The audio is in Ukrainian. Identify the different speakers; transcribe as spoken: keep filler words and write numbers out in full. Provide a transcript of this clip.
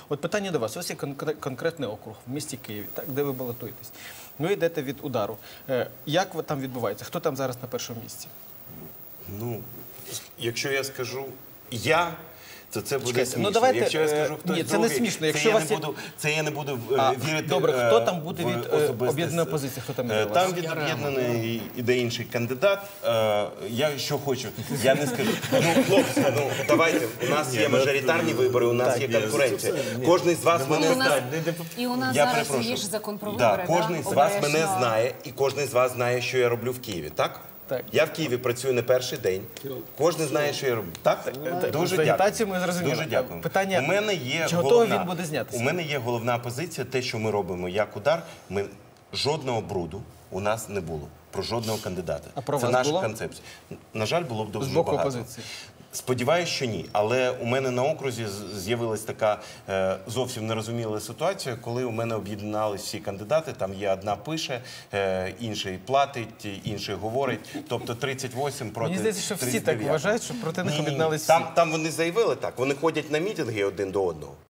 Speaker 1: От питання до вас. Ось є конкретний округ в місті Києві, так, де ви балотуєтесь. Ви йдете від удару. Як там відбувається? Хто там зараз на першому місці?
Speaker 2: Ну, якщо я скажу «я», то це буде
Speaker 1: Чекайте,
Speaker 2: смішно.
Speaker 1: Ну, давайте,
Speaker 2: якщо я скажу «хтось
Speaker 1: ні, це
Speaker 2: другий»,
Speaker 1: не смішно. Якщо
Speaker 2: це, я
Speaker 1: вас
Speaker 2: не
Speaker 1: є...
Speaker 2: буду, це я не буду
Speaker 1: а,
Speaker 2: вірити.
Speaker 1: Добре, хто там буде
Speaker 2: в
Speaker 1: від
Speaker 2: особисте...
Speaker 1: об'єднаної опозиції? Хто там іде?
Speaker 2: Там від об'єднаної іде інший кандидат. Я що хочу, я не скажу. Ну, хлопці, ну, давайте, у нас є мажоритарні вибори, у нас є конкуренція. Кожний з вас мене знає.
Speaker 3: І у нас
Speaker 2: Я
Speaker 3: зараз
Speaker 2: перепрошую.
Speaker 3: є ж закон про
Speaker 2: Да,
Speaker 3: вибори.
Speaker 2: кожен з вас мене знає, і кожен з вас знає, що я роблю в Києві, так?
Speaker 1: Так.
Speaker 2: Я в Києві працюю не перший день. Кожен знає, що я роблю. Так? Дуже
Speaker 1: За агітацію
Speaker 2: дякую.
Speaker 1: ми зрозуміли.
Speaker 2: Дуже дякую.
Speaker 1: Питання,
Speaker 2: у мене є
Speaker 1: чи готовий
Speaker 2: головна,
Speaker 1: він буде знятися?
Speaker 2: У мене є головна позиція, те, що ми робимо як удар, ми жодного бруду у нас не було. Про жодного кандидата.
Speaker 1: А про
Speaker 2: Це
Speaker 1: вас
Speaker 2: наша
Speaker 1: було?
Speaker 2: концепція. На жаль, було б дуже
Speaker 1: З боку
Speaker 2: багато.
Speaker 1: опозиції.
Speaker 2: Сподіваюсь, що ні. Але у мене на окрузі з'явилась така е, зовсім нерозуміла ситуація, коли у мене об'єдналися всі кандидати. Там є одна пише, е, інший платить, інший говорить. Тобто тридцять вісім проти
Speaker 1: Мені здається, що всі
Speaker 2: тридцять
Speaker 1: так
Speaker 2: дев'ять.
Speaker 1: вважають, що проти них
Speaker 2: Ні, ні, ні.
Speaker 1: об'єдналися всі.
Speaker 2: Там, там вони заявили так. Вони ходять на мітинги один до одного.